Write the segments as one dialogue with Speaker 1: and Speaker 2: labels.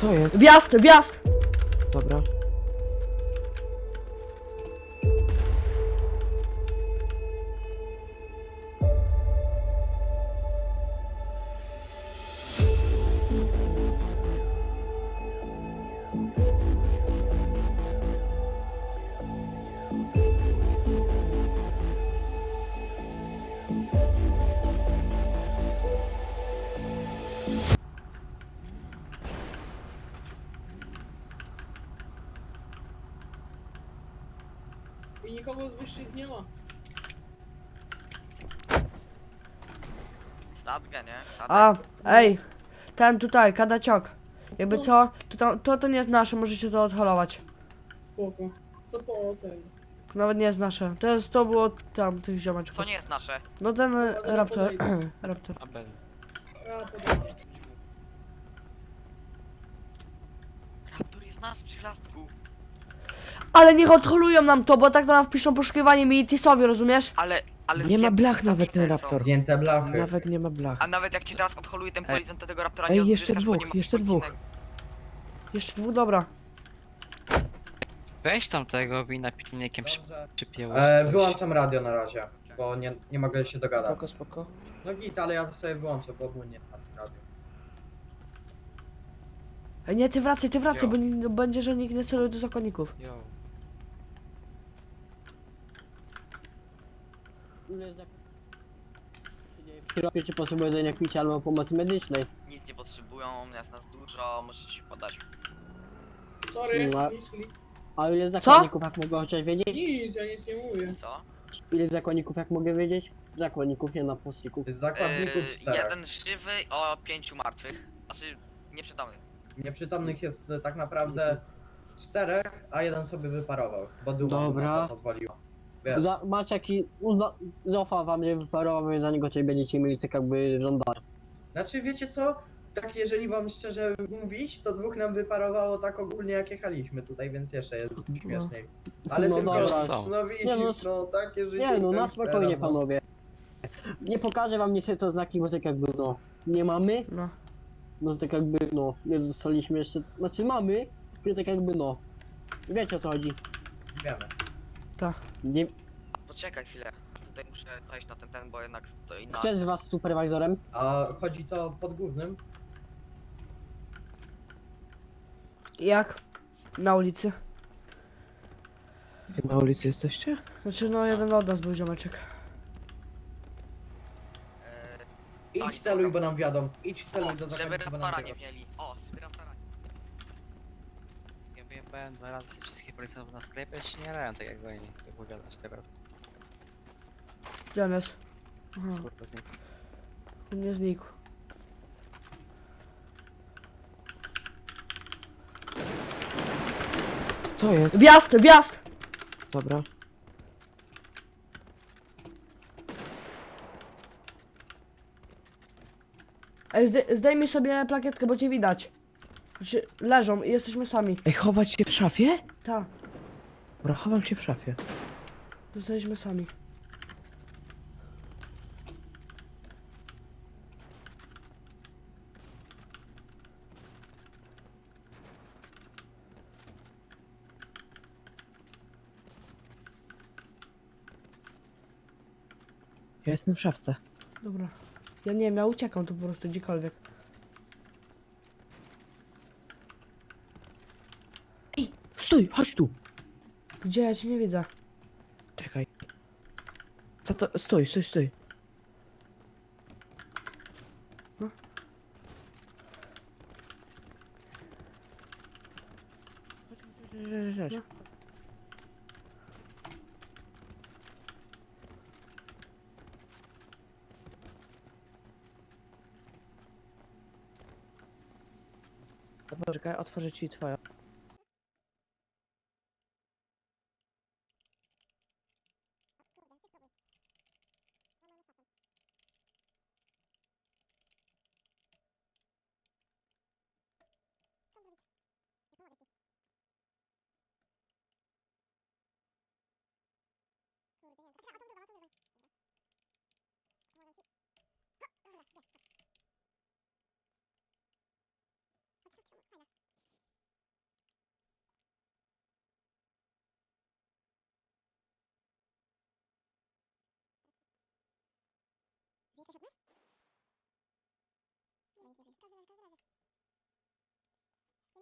Speaker 1: Co jest?
Speaker 2: Wjazd, wjazd!
Speaker 1: Dobra.
Speaker 3: I nikogo z wyższych nie ma.
Speaker 4: Sadgę, nie? Sadek.
Speaker 2: A, ej, ten tutaj, kadaciok. Jakby co, to nie jest nasze, możecie to odholować.
Speaker 3: Spoko. To po ten.
Speaker 2: Nawet nie jest nasze. To było tam, tych ziomeczków.
Speaker 4: Co nie jest nasze?
Speaker 2: No ten
Speaker 3: Dobra,
Speaker 2: raptor,
Speaker 3: podejdę.
Speaker 2: raptor.
Speaker 3: Ja podam.
Speaker 4: Raptor jest nasz przy lastku.
Speaker 2: Ale niech odholują nam to, bo tak to nam wpiszą poszukiwanie mi i Tisowi, rozumiesz?
Speaker 4: Ale
Speaker 1: Nie ma
Speaker 4: zdjęte,
Speaker 1: blach nawet ten
Speaker 4: zabite są.
Speaker 1: raptor.
Speaker 5: Zdjęte blachy.
Speaker 1: Nawet nie ma blach.
Speaker 4: A nawet jak ci teraz odholuje ten policjant, to tego raptora
Speaker 1: Ej,
Speaker 4: nie
Speaker 1: jeszcze
Speaker 4: odzyskasz, bo
Speaker 1: dwóch,
Speaker 4: nie ma
Speaker 1: jeszcze dwóch.
Speaker 4: policyjnego.
Speaker 2: Jeszcze dwóch, dobra.
Speaker 6: Weź tam tego wina pilnikiem
Speaker 5: Dobrze.
Speaker 6: przypięło.
Speaker 5: Wyłączam radio na razie, bo nie mogę się dogadać.
Speaker 1: Spoko, spoko.
Speaker 5: No git, ale ja to sobie wyłączę, bo ogólnie sam radio.
Speaker 2: Ej, nie, ty wracaj,
Speaker 4: Jo.
Speaker 2: bo będzie, że nikt nie celuje do zakonników.
Speaker 6: Yo.
Speaker 7: W Europie czy potrzebują jedzenia, picia albo pomocy medycznej.
Speaker 4: Nic nie potrzebują, jest nas dużo, możecie się podać.
Speaker 3: Sorry,
Speaker 7: No.
Speaker 3: nic,
Speaker 7: A ile zakonników, jak mogę chociaż wiedzieć?
Speaker 3: nic, ja nic nie mówię.
Speaker 4: Co?
Speaker 7: Ile zakonników, jak mogę wiedzieć? Zakonników, nie napastników.
Speaker 5: Z zakładników 4.
Speaker 4: Jeden żywy o 5 martwych. Znaczy, nieprzytomnych.
Speaker 5: Nieprzytomnych jest tak naprawdę 4, a jeden sobie wyparował, bo duma
Speaker 7: Dobra.
Speaker 5: mu na to pozwoliła. Wiesz,
Speaker 7: Macie jaki... Zofa wam nie wyparował, za niego tutaj będziecie mieli tak jakby żądania.
Speaker 5: znaczy wiecie co? Tak jeżeli wam szczerze mówić, to dwóch nam wyparowało tak ogólnie jak jechaliśmy tutaj, więc jeszcze jest śmieszniej. Ale
Speaker 7: No
Speaker 5: tylko,
Speaker 7: dobra.
Speaker 5: no widzisz,
Speaker 7: Nie,
Speaker 5: no takie życie
Speaker 7: Nie no, na
Speaker 5: gangstera,
Speaker 7: spokojnie
Speaker 5: no.
Speaker 7: panowie. Nie pokażę wam niestety to znaki, bo tak jakby no... Nie mamy,
Speaker 2: No.
Speaker 7: no tak jakby no... Nie zostaliśmy jeszcze... Znaczy mamy, tylko tak jakby no... Wiecie o co chodzi.
Speaker 5: Wiemy.
Speaker 7: Nie...
Speaker 4: Poczekaj chwilę. Tutaj muszę wejść na ten, bo jednak to inna.
Speaker 7: Kto jest z was superwajzorem?
Speaker 5: A chodzi to pod głównym?
Speaker 2: Jak? Na ulicy.
Speaker 1: Wy na ulicy jesteście?
Speaker 2: Znaczy, no jeden od nas był ziomeczek.
Speaker 4: Co oni
Speaker 5: Idź celuj,
Speaker 4: robią?
Speaker 5: bo nam wiadomo. Idź celuj do
Speaker 4: Żeby
Speaker 5: zakładnika, bo nam
Speaker 4: raptora nie
Speaker 5: wiadomo.
Speaker 4: mieli. O, żeby raptora.
Speaker 6: Ja wyjebałem 2 razy wszystkich policjantów na sklepie, ja się nie jarałem tak jak oni, jak powiadasz teraz.
Speaker 2: Gdzie on jest? Aha,
Speaker 6: Skurwa z nim.
Speaker 2: on nie znikł.
Speaker 1: Co jest?
Speaker 2: Wjazd, wjazd!
Speaker 1: Dobra.
Speaker 2: Ej, zdejmij sobie plakietkę, bo cię widać. Znaczy, leżą i jesteśmy sami.
Speaker 1: Ej, chować się w szafie?
Speaker 2: Ta,
Speaker 1: Dobra, chowam się w szafie.
Speaker 2: zostaliśmy sami.
Speaker 1: Ja jestem w szafce.
Speaker 2: Dobra. Ja nie wiem, ja uciekam tu po prostu gdziekolwiek.
Speaker 1: Stój, chodź tu.
Speaker 2: Gdzie? Ja cię nie widzę.
Speaker 1: Czekaj. Co to? Stój, stój, stój.
Speaker 2: No.
Speaker 1: Chodź, chodź, chodź.
Speaker 2: No.
Speaker 1: Dobra, czekaj, otworzę ci twoją.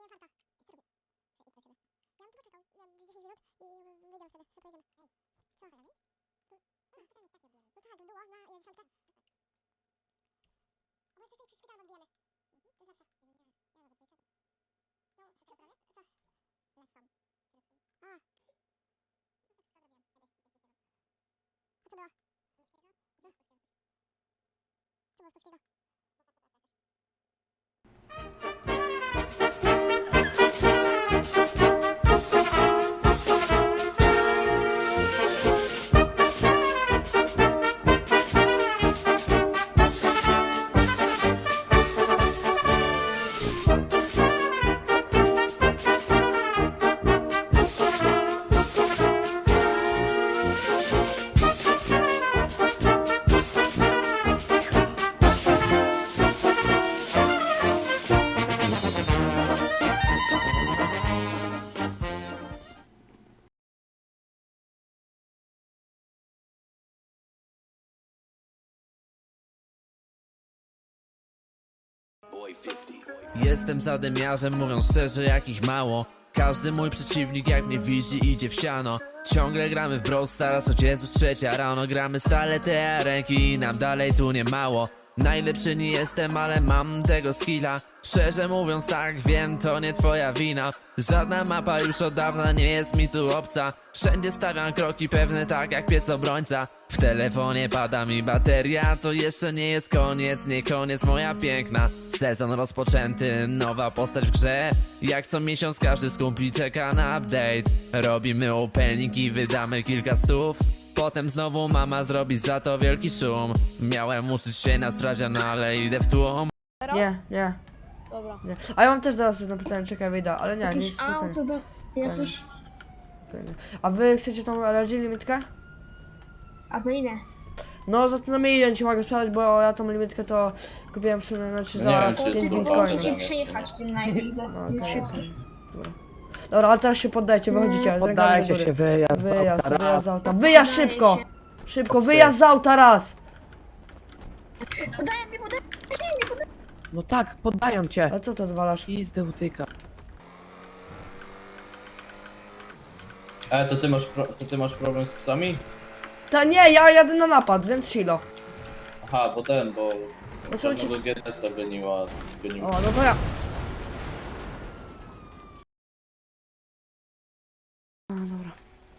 Speaker 8: Jestem zadymiarzem, mówiąc szczerze, jakich mało. Każdy mój przeciwnik jak mnie widzi idzie w siano. Ciągle gramy w Brawl Stars, choć jest już 3 rano. Gramy stale te ręki i nam dalej tu nie mało. Najlepszy nie jestem, ale mam tego skilla. Szczerze mówiąc tak, wiem, to nie twoja wina. Żadna mapa już od dawna nie jest mi tu obca. Wszędzie stawiam kroki pewne tak jak pies obrońca. W telefonie pada mi bateria, to jeszcze nie jest koniec, nie koniec moja piękna. Sezon rozpoczęty, nowa postać w grze. Jak co miesiąc każdy z kumpli czeka na update. Robimy opening i wydamy kilka stów. Potem znowu mama zrobi za to wielki szum. Miałem uczyć się na sprawdzian, ale idę w tłum.
Speaker 2: Nie.
Speaker 9: Dobra.
Speaker 2: Nie. A ja mam też do was jedno pytanie, czekaj, wyjdę, ale nie
Speaker 9: Jakieś
Speaker 2: jest
Speaker 9: auto do... Jakieś...
Speaker 2: spokojnie. A wy chcecie tą LRG limitkę?
Speaker 9: A za ile?
Speaker 2: No za to na milion ci mogę sprzedać, bo ja tą limitkę to kupiłem w sumie, znaczy za 5 bitcoinów.
Speaker 9: Musicie przejechać tym najpierw.
Speaker 2: No,
Speaker 9: Jest
Speaker 2: okej,
Speaker 9: szybki.
Speaker 2: okej. Dobra, ale teraz się poddajcie, wychodzicie. z rękami
Speaker 1: Poddajcie
Speaker 2: do góry.
Speaker 1: się, wyjazd,
Speaker 2: Wyjazd,
Speaker 1: auta,
Speaker 2: wyjazd z
Speaker 1: raz.
Speaker 2: auta. Wyjazd szybko! Szybko, wyjazd z auta raz!
Speaker 1: No tak, poddają cię.
Speaker 2: A co to odwalasz?
Speaker 1: Pizdę utyka.
Speaker 10: To ty masz problem z psami?
Speaker 2: Ta nie, ja jadę na napad, więc silo.
Speaker 10: Aha, bo
Speaker 2: No są ci...
Speaker 10: czarnego GTS-a goniła.
Speaker 2: O, no to ja... A, dobra.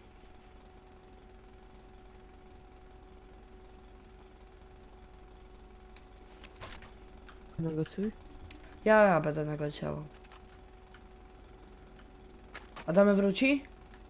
Speaker 1: Negocjuj.
Speaker 2: Ja będę negocjował. Adamy wróci?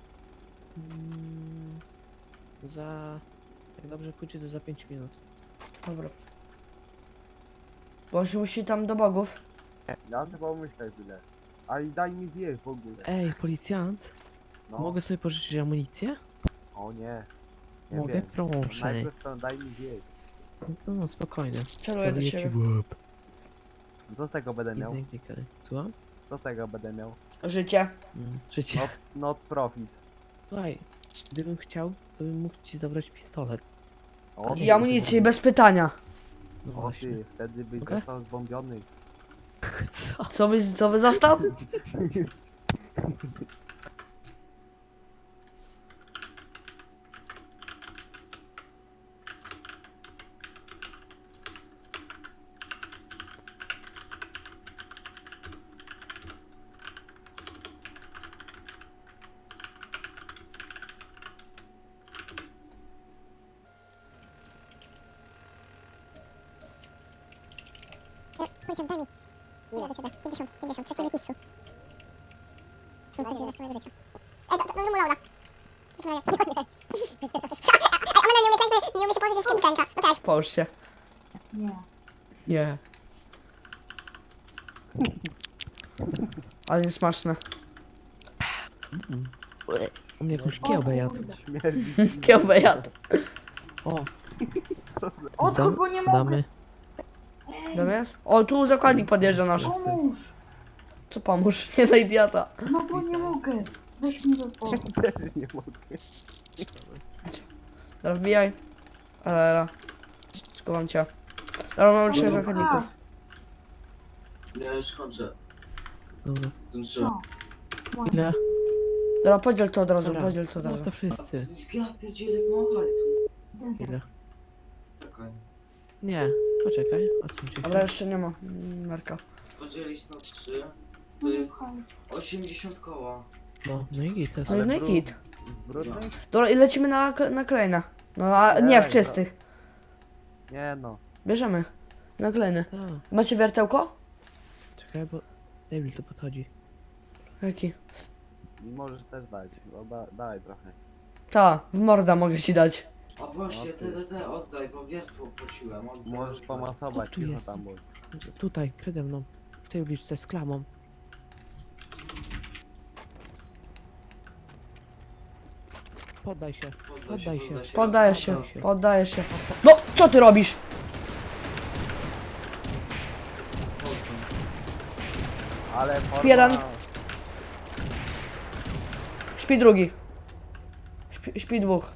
Speaker 1: Jak dobrze pójdzie, to za 5 minut.
Speaker 2: Dobra. Bo on się musi tam do bogów.
Speaker 11: Ja sobie pomyślę tyle. Ale daj mi zjeść w ogóle.
Speaker 1: Ej, policjant,
Speaker 11: No.
Speaker 1: mogę sobie pożyczyć amunicję?
Speaker 11: O nie. Nie
Speaker 1: Mogę?
Speaker 11: wiem.
Speaker 1: Proszę.
Speaker 11: Najpierw to daj mi zjeść.
Speaker 1: No to no, spokojnie.
Speaker 2: Celuję do
Speaker 1: Celuję ci
Speaker 2: siebie.
Speaker 1: w łeb.
Speaker 11: Co z tego będę
Speaker 1: I
Speaker 11: miał?
Speaker 1: zamknij. Słucham?
Speaker 11: Co z tego będę miał?
Speaker 2: Życie.
Speaker 1: Życie.
Speaker 11: Not profit.
Speaker 1: Słuchaj, gdybym chciał, to bym mógł ci zabrać pistolet.
Speaker 11: O,
Speaker 2: I amunicję, bez pytania.
Speaker 1: No
Speaker 11: O
Speaker 1: właśnie.
Speaker 11: ty, wtedy byś
Speaker 1: Mogę?
Speaker 11: został zbombiony.
Speaker 1: Co?
Speaker 2: Co wy został?
Speaker 12: Policjant, daj mi. Ile do ciebie? 50, trzeciej mi tisu. Co będzie resztę mojego życia? Ej, to zrób mu loada. Ej, ona nie umie się położyć w tym klęka. No tak.
Speaker 2: Połóż się.
Speaker 9: Nie.
Speaker 2: Nie. Ale niesmaczne.
Speaker 1: On jakąś kiełbę jadł.
Speaker 11: Śmierdzi.
Speaker 2: Kiełbę jadł.
Speaker 1: O,
Speaker 9: Od kogo nie mogę?
Speaker 1: damy.
Speaker 2: Zamiast? O, tu zakładnik podjeżdża nasz.
Speaker 9: Pomóż.
Speaker 2: Co pomóż? Nie na idiota.
Speaker 9: No bo nie mogę. Weź mi do pokoju.
Speaker 11: Też nie mogę.
Speaker 2: Teraz wbijaj. Ela. Skuwam cię. Dobra, mamy 3 zakładników.
Speaker 10: Ja już kończę.
Speaker 1: Dobra.
Speaker 9: Co?
Speaker 1: Ile?
Speaker 2: Dobra, podziel to od razu,
Speaker 1: Dobra.
Speaker 2: podziel to od
Speaker 1: No
Speaker 2: razu.
Speaker 1: to wszyscy.
Speaker 13: Ja pierdzielę, mało hajsu.
Speaker 1: Ile?
Speaker 13: Czekaj.
Speaker 1: Nie, poczekaj. Odsuń się.
Speaker 2: Dobra, jeszcze nie ma Marka.
Speaker 13: Podzielić na 3, to jest 80 koła.
Speaker 1: No i git.
Speaker 2: No i no i kit.
Speaker 11: Brudny?
Speaker 2: Dobra, i lecimy na kolejne. No a nie w
Speaker 11: Ej,
Speaker 2: czystych.
Speaker 11: Nie no.
Speaker 2: Bierzemy. Na kolejne.
Speaker 1: A,
Speaker 2: Macie wiertełko?
Speaker 1: czekaj, bo Devil tu podchodzi.
Speaker 2: Jaki?
Speaker 11: Możesz też dać. No, daj trochę.
Speaker 2: Ta, w morda mogę ci dać.
Speaker 13: A właśnie, te oddaj, bo wiertło prosiłem. Oddaj,
Speaker 11: Możesz
Speaker 13: prosiłem.
Speaker 11: pomasować,
Speaker 1: O, tu
Speaker 11: cicho
Speaker 1: jest.
Speaker 11: tam bądź.
Speaker 1: Tutaj, przede mną. W tej uliczce z klamą. Poddaj się. Poddaj się.
Speaker 2: Poddajesz się,
Speaker 13: Poddaj się.
Speaker 2: poddajesz się. No, co ty robisz?
Speaker 11: Ale forma...
Speaker 2: jeden. Śpi drugi. Śpi dwóch.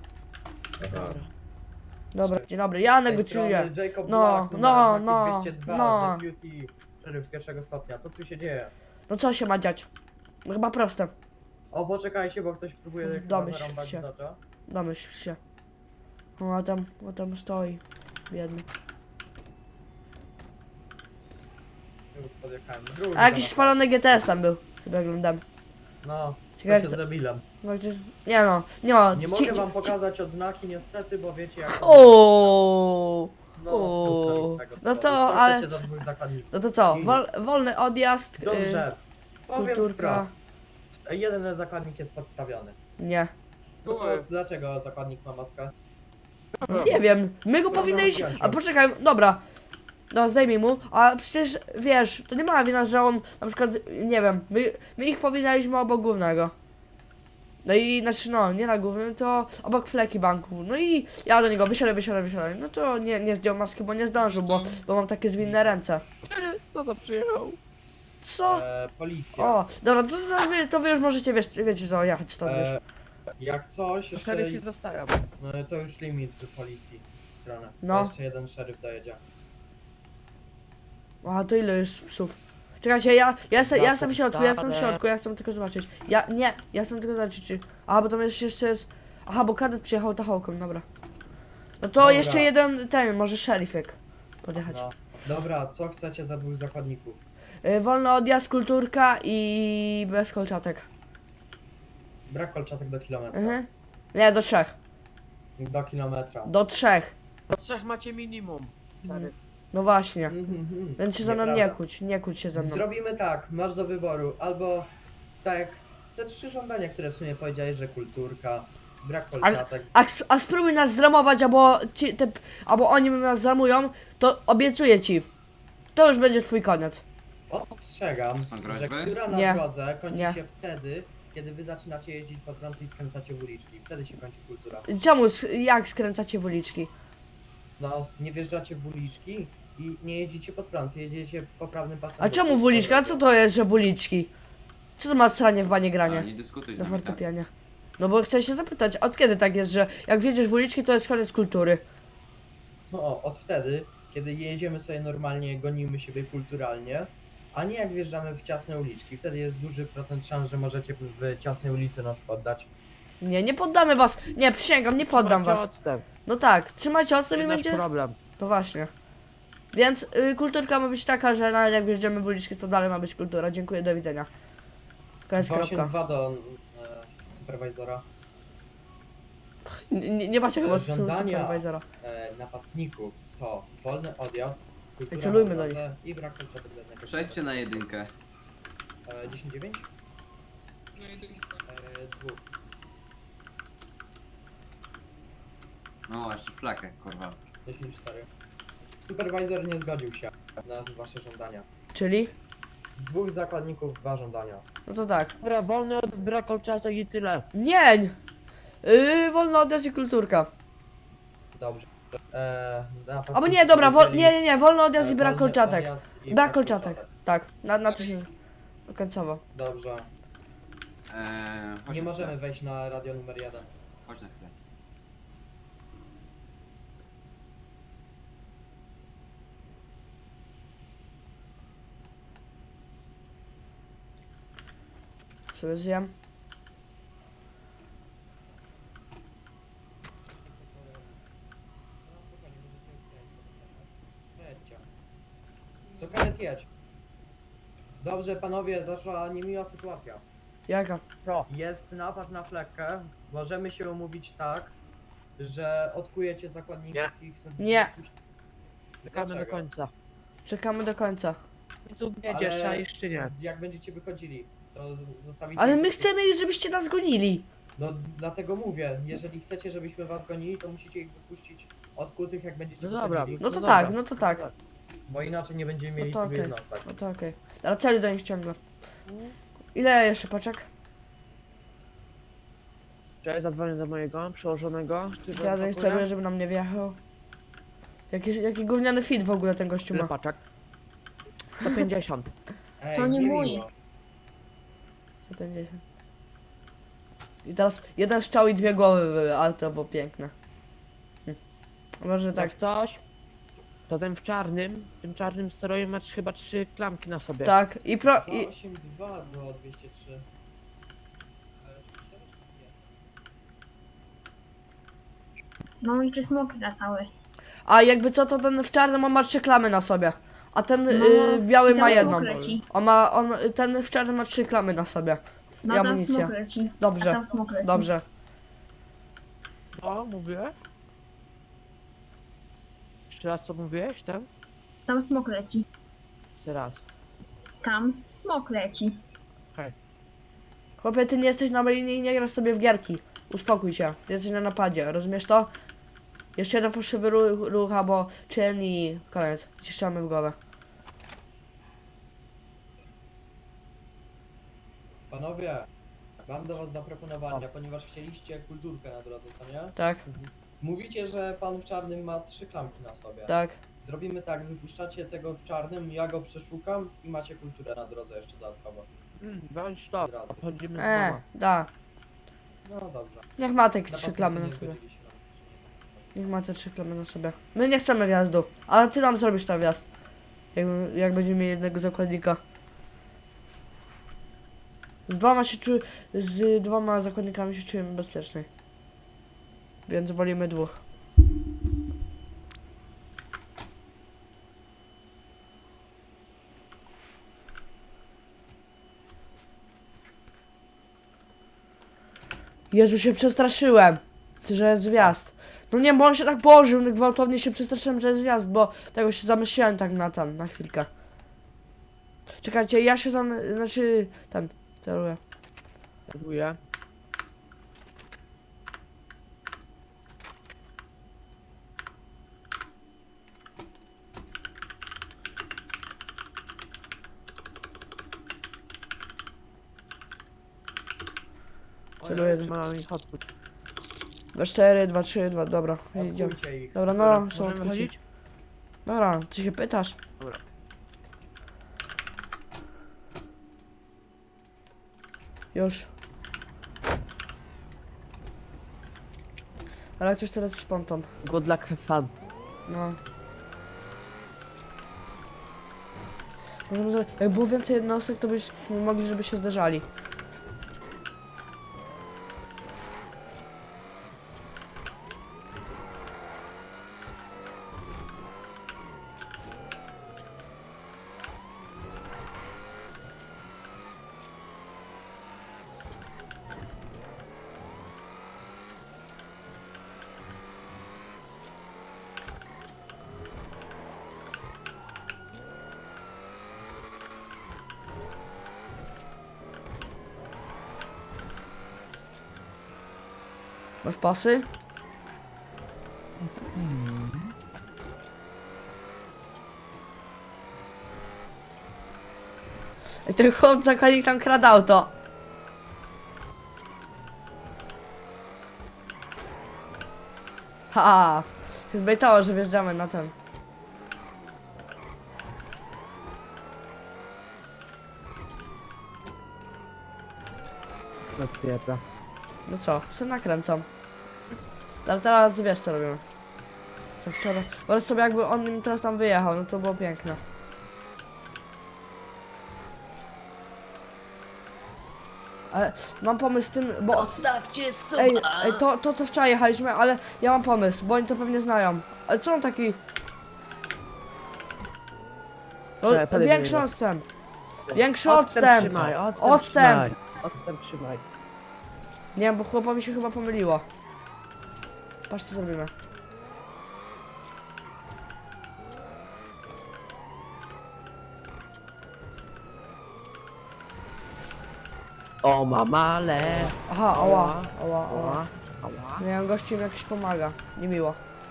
Speaker 2: Dobra, dzień dobry, ja
Speaker 5: Z tej
Speaker 2: negocjuję.
Speaker 5: strony Jacob
Speaker 2: No,
Speaker 5: Black, numer
Speaker 2: no,
Speaker 5: znaki
Speaker 2: no,
Speaker 5: 202,
Speaker 2: no.
Speaker 5: Deputy Szeryf pierwszego stopnia. Co tu się dzieje?
Speaker 2: No co się ma dziać? No chyba proste.
Speaker 5: O, poczekajcie, bo ktoś próbuje chyba
Speaker 2: Domyśl
Speaker 5: zarąbać
Speaker 2: się.
Speaker 5: Dodge'a.
Speaker 2: Domyśl się. O, a tam stoi. Biedny.
Speaker 5: Już podjechałem. Drugi
Speaker 2: A jakiś
Speaker 5: zaraz.
Speaker 2: spalony GTS tam był. Sobie oglądam.
Speaker 5: No,
Speaker 2: Ciekawe,
Speaker 5: co się
Speaker 2: kto-
Speaker 5: z debilem.
Speaker 2: No, gdzieś... Nie no, nie ma.
Speaker 5: Nie mogę wam pokazać odznaki niestety, bo wiecie jak...
Speaker 2: O.
Speaker 5: No,
Speaker 2: o.
Speaker 5: skrócę mi z tego
Speaker 2: No to,
Speaker 5: powodu. Co
Speaker 2: ale-
Speaker 5: chcecie za dwóch zakładników?
Speaker 2: No to co? Wolny odjazd.
Speaker 5: Dobrze, powiem
Speaker 2: kulturka.
Speaker 5: wprost. Jeden zakładnik jest podstawiony.
Speaker 2: Nie.
Speaker 5: No to dlaczego zakładnik ma maskę?
Speaker 2: No nie wiem. My go
Speaker 5: Dobra,
Speaker 2: powinniśmy.
Speaker 5: odjąć
Speaker 2: A
Speaker 5: ją.
Speaker 2: poczekaj, dobra. No zdejmij mu, a przecież wiesz, to nie ma wina, że on na przykład, nie wiem, my ich powinniśmy obok głównego. No i znaczy no, nie na głównym, to obok fleki banku. No i ja do niego wysiadaj. No to nie zdjął maski, bo nie zdążył, bo mam takie zwinne ręce.
Speaker 1: Kto to przyjechał?
Speaker 2: Co?
Speaker 5: Policja.
Speaker 2: O, dobra, to wy już możecie, wiecie co, jechać stąd już.
Speaker 5: Jak coś, jeszcze...
Speaker 1: Szeryf się zostawiam.
Speaker 5: No to już limit z policji w stronę.
Speaker 2: No.
Speaker 5: To jeszcze jeden szeryf dojedzie.
Speaker 2: A to ile jest psów? Czekajcie, ja jestem w środku,
Speaker 1: stare.
Speaker 2: ja chcę tylko zobaczyć. Ja chcę tylko zobaczyć czy... Aha, bo tam jeszcze jest... Aha, bo kadet przyjechał tachołką, dobra. No to
Speaker 5: Dobra.
Speaker 2: jeszcze jeden, może szeryfek podjechać.
Speaker 5: No. Dobra, co chcecie za dwóch zakładników?
Speaker 2: Wolny odjazd, kulturka i bez kolczatek.
Speaker 5: Brak kolczatek do kilometra.
Speaker 2: Mhm. Nie, do 3.
Speaker 5: Do kilometra.
Speaker 2: Do 3.
Speaker 1: Do 3 macie minimum.
Speaker 2: No właśnie.
Speaker 5: Mhm.
Speaker 2: Więc się ze mną
Speaker 5: Nieprawda.
Speaker 2: nie kłóć się ze mną.
Speaker 5: Zrobimy tak, masz do wyboru, albo tak, te trzy żądania, które w sumie powiedziałeś, że kulturka, brak kolczatek.
Speaker 2: A spróbuj nas zramować, albo oni nas zramują, to obiecuję ci. To już będzie twój koniec.
Speaker 5: Ostrzegam, że która na
Speaker 2: Nie.
Speaker 5: drodze kończy
Speaker 2: Nie.
Speaker 5: się wtedy, kiedy wy zaczynacie jeździć po prąd i skręcacie w uliczki. Wtedy się kończy kultura.
Speaker 2: Czemu, jak skręcacie w uliczki?
Speaker 5: No, nie wjeżdżacie w uliczki i nie jeździcie pod prąd, jedziecie po prawnym pasem.
Speaker 2: A czemu w uliczki? A co to jest, że w uliczki? Co to ma sranie w banie granie?
Speaker 13: Nie dyskutuj z
Speaker 2: Na
Speaker 13: nami, tak?
Speaker 2: fortepianie. No bo chcę się zapytać, od kiedy tak jest, że jak wjedziesz w uliczki, to jest koniec kultury?
Speaker 5: No, od wtedy, kiedy jedziemy sobie normalnie, gonimy siebie kulturalnie, a nie jak wjeżdżamy w ciasne uliczki. Wtedy jest duży procent szans, że możecie w ciasnej ulicy nas poddać.
Speaker 2: Nie poddamy was. Nie, przysięgam, nie poddam was.
Speaker 1: Odstęp.
Speaker 2: No tak, trzymajcie odstęp i
Speaker 1: Nasz
Speaker 2: będzie...
Speaker 1: problem.
Speaker 2: No właśnie. Więc kulturka ma być taka, że nawet jak wjeżdżamy w uliczki, to dalej ma być kultura. Dziękuję, do widzenia. Koniec, kropka.
Speaker 5: 282 do superwajzora.
Speaker 2: Nie macie chyba
Speaker 5: Żądania.
Speaker 2: superwajzora.
Speaker 5: Napastników to wolny odjazd, kultura
Speaker 2: celujmy
Speaker 5: na
Speaker 2: do
Speaker 5: drodze i brak kolczatek dla jednego.
Speaker 13: Przejdźcie na jedynkę.
Speaker 5: 10-9? Dwóch.
Speaker 13: No, jeszcze flakę, kurwa.
Speaker 5: 10-4. Superwajzor nie zgodził się na wasze żądania.
Speaker 2: Czyli?
Speaker 5: Dwóch zakładników, dwa żądania.
Speaker 2: No to tak.
Speaker 1: Dobra, wolny od brak kolczatek i tyle.
Speaker 2: Nie! Wolny odjazd i kulturka.
Speaker 5: Dobrze.
Speaker 2: Albo nie, dobra, nie, wolny odjazd i brak
Speaker 5: wolny
Speaker 2: kolczatek.
Speaker 5: odjazd i
Speaker 2: Brak kolczatek. Tak, na to się końcowo.
Speaker 5: Dobrze.
Speaker 13: Chodź
Speaker 5: Nie
Speaker 13: na
Speaker 5: możemy
Speaker 13: chwilę.
Speaker 5: wejść na radio numer 1.
Speaker 13: Chodź na chwilę.
Speaker 2: sobie zjem.
Speaker 5: Jedźcie. To karet jedź. Dobrze, panowie, zaszła niemiła sytuacja.
Speaker 2: Jaka?
Speaker 5: Jest napad na flekkę. Możemy się umówić tak, że odkujecie zakładników i ich sobie
Speaker 2: Nie.
Speaker 5: puścić.
Speaker 1: Czekamy do
Speaker 5: Dlaczego?
Speaker 1: końca.
Speaker 2: Czekamy do końca.
Speaker 1: I tu wiedziesz,
Speaker 5: Ale
Speaker 1: a jeszcze nie.
Speaker 5: Jak będziecie wychodzili, to zostawicie...
Speaker 2: Ale
Speaker 5: ich-
Speaker 2: my chcemy, żebyście nas gonili.
Speaker 5: No dlatego mówię, jeżeli chcecie, żebyśmy was gonili, to musicie ich wypuścić odkutych, jak będziecie
Speaker 1: No dobra.
Speaker 5: wychodzili.
Speaker 2: No to
Speaker 1: No
Speaker 2: tak,
Speaker 1: dobra.
Speaker 2: no to tak.
Speaker 5: Bo inaczej nie będziemy mieli
Speaker 2: No to
Speaker 5: tylu
Speaker 2: okej.
Speaker 5: jednostek.
Speaker 2: No to okej. Ale celu do nich ciągle. Ile jeszcze paczek?
Speaker 1: Cześć, zadzwonię do mojego przełożonego. który
Speaker 2: Ja do nich
Speaker 1: pakuje.
Speaker 2: celuję, żeby nam nie wjechał. Jaki gówniany fit w ogóle ten gościu
Speaker 1: Ile
Speaker 2: ma.
Speaker 1: paczek? 150.
Speaker 5: Ej,
Speaker 9: To nie mój.
Speaker 5: miło.
Speaker 2: 150. I teraz jeden strzał i 2 głowy były, ale to było piękne. Może
Speaker 1: Tak
Speaker 2: tak,
Speaker 1: coś? To ten w tym czarnym stroju ma chyba 3 klamki na sobie.
Speaker 2: tak. I
Speaker 5: 282 było 203.
Speaker 9: No i czy smoki latały?
Speaker 2: A jakby co, to ten w czarnym on ma 3 klamy na sobie. A ten
Speaker 9: No,
Speaker 2: biały
Speaker 9: i tam
Speaker 2: ma
Speaker 9: smok
Speaker 2: jedną.
Speaker 9: leci.
Speaker 2: Ten w czarnym ma 3 klamy na sobie.
Speaker 9: No
Speaker 2: I
Speaker 9: tam
Speaker 2: amunicja.
Speaker 9: smok leci. A
Speaker 2: Dobrze,
Speaker 9: tam smok leci.
Speaker 2: dobrze.
Speaker 1: O, mówiłeś? Jeszcze raz co mówiłeś, tak?
Speaker 9: Tam smok leci.
Speaker 1: Jeszcze raz.
Speaker 9: Tam smok leci.
Speaker 2: Chłopie, ty nie jesteś na linii i nie grasz sobie w gierki. Uspokój się, ty jesteś na napadzie, rozumiesz to? Jeszcze jeden fałszywy ruch, albo czyn i koniec. Ciszamy w głowę.
Speaker 5: Panowie, mam do was zaproponowania, ponieważ chcieliście kulturkę na drodze, co nie?
Speaker 2: Tak,
Speaker 5: Mówicie, że pan w czarnym ma 3 klamki na sobie.
Speaker 2: tak.
Speaker 5: Zrobimy tak, wypuszczacie tego w czarnym, ja go przeszukam i macie kulturę na drodze jeszcze dodatkowo.
Speaker 1: Bądź to,
Speaker 5: Od razu.
Speaker 1: obchodzimy z doma.
Speaker 2: Da.
Speaker 5: No dobrze.
Speaker 2: Niech ma te 3
Speaker 5: Napastnicy
Speaker 2: klamy
Speaker 5: nie
Speaker 2: na sobie.
Speaker 5: zgodzili się na wypuszczenie.
Speaker 2: Niech ma te 3 klamy na sobie. My nie chcemy wjazdu, ale ty nam zrobisz ten wjazd. Jak będziemy mieli jednego zakładnika. Z 2 zakładnikami się czujemy bezpieczniej. Więc wolimy 2. Jezu, się przestraszyłem, że jest wjazd. No nie, bo on się tak położył, tak gwałtownie się przestraszyłem, że jest wjazd, bo tego się zamyśliłem tak na chwilkę. Czekajcie, ja się celuję.
Speaker 1: Dziękuję.
Speaker 2: Celuję.
Speaker 1: Mamy ich odpuść.
Speaker 2: 2, 4, 2, 3, 2, dobra, idziemy.
Speaker 5: Odkujcie ich.
Speaker 2: Dobra, no, są
Speaker 1: Możemy
Speaker 2: odkuci.
Speaker 1: wychodzić?
Speaker 2: Dobra, ty się pytasz?
Speaker 1: Dobra.
Speaker 2: Już. Ale coś teraz spontan.
Speaker 1: Good luck, have fun.
Speaker 2: No. Jak było więcej jednostek, to byśmy mogli, żeby się zderzali. Masz pasy? I ten chłop zakładnik tam kradł auto. Ha! Się zbejtało, że wjeżdżamy na ten.
Speaker 1: Potwierdza.
Speaker 2: No co, się nakręcam. Ale teraz wiesz co robimy. Co wczoraj. Wyobraź sobie jakby on nim teraz tam wyjechał, no to było piękne. Ale mam pomysł z tym, bo...
Speaker 1: Ostawcie suba!
Speaker 2: Ej, to co wczoraj jechaliśmy, ale ja mam pomysł, bo oni to pewnie znają. Ale co on taki... No,
Speaker 1: Czekaj, podejdę
Speaker 2: większy
Speaker 1: do niego.
Speaker 2: odstęp. Większy
Speaker 1: Odstęp
Speaker 2: odstęp.
Speaker 1: trzymaj,
Speaker 2: Odstęp.
Speaker 1: odstęp. Odstęp trzymaj.
Speaker 2: Nie wiem, bo chłopowi się chyba pomyliło. Patrz co zrobimy.
Speaker 1: O mamale!
Speaker 2: Aha, ała, ała, ała.
Speaker 1: Ała, ała.
Speaker 2: Nie wiem, gościu mi jakiś pomaga. Niemiło.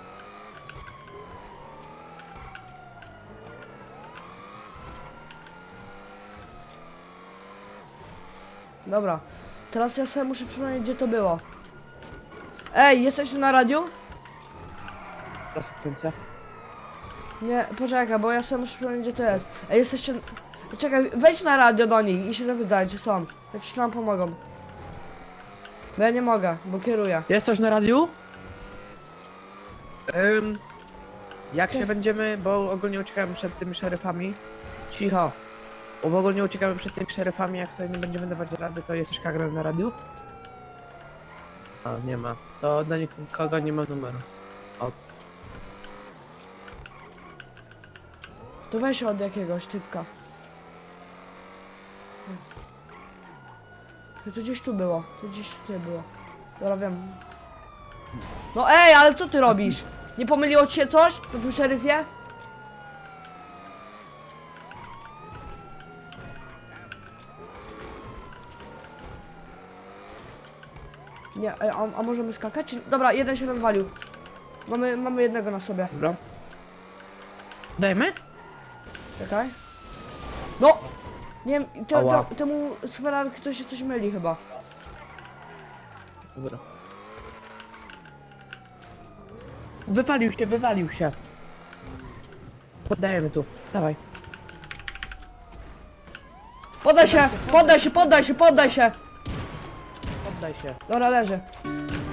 Speaker 2: Dobra. Teraz ja sobie muszę przypomnieć, gdzie to było. Ej, jesteś tu na radiu?
Speaker 1: Konsekwencja.
Speaker 2: Nie, poczekaj, bo ja sobie muszę przypomnieć, gdzie to jest. Ej, jesteście... Czekaj, wejdź na radio do nich i się zapytaj, czy są. Czy nam pomogą. Bo ja nie mogę, bo kieruję.
Speaker 1: Jest coś na radiu? Jak się będziemy, bo ogólnie uciekamy przed tymi szeryfami. Cicho. Bo ogólnie uciekamy przed tymi szeryfami, jak sobie nie będziemy dawać rady, to jest coś kagra na radiu? A, nie ma. To do nikogo nie ma numeru.
Speaker 2: To weź od jakiegoś typka. To gdzieś tu było. To gdzieś tutaj było. Dobra, wiem. No ej, ale co ty robisz? Nie pomyliło ci się coś na tym szeryfie? Nie, ej, a możemy skakać? Czy... Dobra, jeden się rozwalił. Mamy jednego na sobie.
Speaker 1: Dobra. Dajmy?
Speaker 2: Czekaj. No! Nie wiem,
Speaker 1: Ała.
Speaker 2: temu szmerarki to się coś myli chyba.
Speaker 1: Dobra. Wywalił się. Poddajemy tu. Dawaj.
Speaker 2: Poddaj się! Poddaj się! Poddaj się! Poddaj się!
Speaker 1: Poddaj się.
Speaker 2: Dobra, leży.